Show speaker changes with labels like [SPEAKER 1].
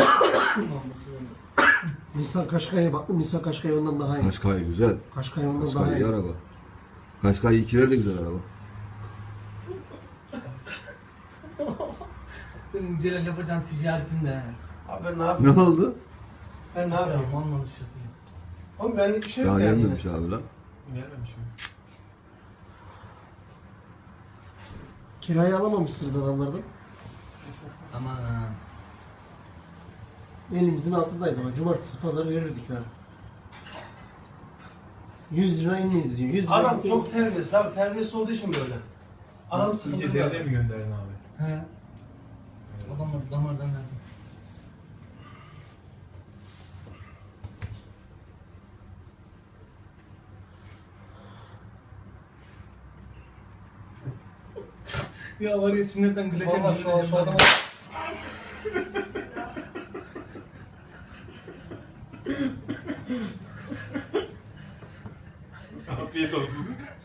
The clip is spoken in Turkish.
[SPEAKER 1] Nissan Qashqai'ye baktım. Nissan Qashqai ondan daha iyi.
[SPEAKER 2] Qashqai güzel.
[SPEAKER 1] Qashqai ondan daha
[SPEAKER 2] Qashqai iyi
[SPEAKER 1] iyi.
[SPEAKER 2] araba. Qashqai 2'ler de güzel araba.
[SPEAKER 3] Senin Celal yapacağın ticaretinde.
[SPEAKER 4] Abi ben ne
[SPEAKER 2] Ne
[SPEAKER 4] yapayım?
[SPEAKER 2] oldu?
[SPEAKER 4] Ben ne yapayım?
[SPEAKER 3] Olmadı şey yapayım.
[SPEAKER 4] Oğlum benlik bir şey yok
[SPEAKER 2] Daha
[SPEAKER 4] yani.
[SPEAKER 2] gelmemiş abi lan.
[SPEAKER 3] Gelmemiş mi?
[SPEAKER 1] Kirayı alamamışsınız adamlardan.
[SPEAKER 3] Aman ha.
[SPEAKER 1] Elimizin altındaydı ama cumartesi pazar verirdik yani. 100 lira inmeydi diyor. 100 lira
[SPEAKER 4] Adam
[SPEAKER 1] inse-
[SPEAKER 4] çok terbiyesiz abi. Terbiyesiz olduğu için böyle. Adam sıkıntılı bir adam.
[SPEAKER 5] mi gönderdin abi?
[SPEAKER 3] He. Adamlar damardan verdi. Ya var ya sinirden güleceğim.
[SPEAKER 4] Vallahi şu adama...
[SPEAKER 5] Afiyet olsun.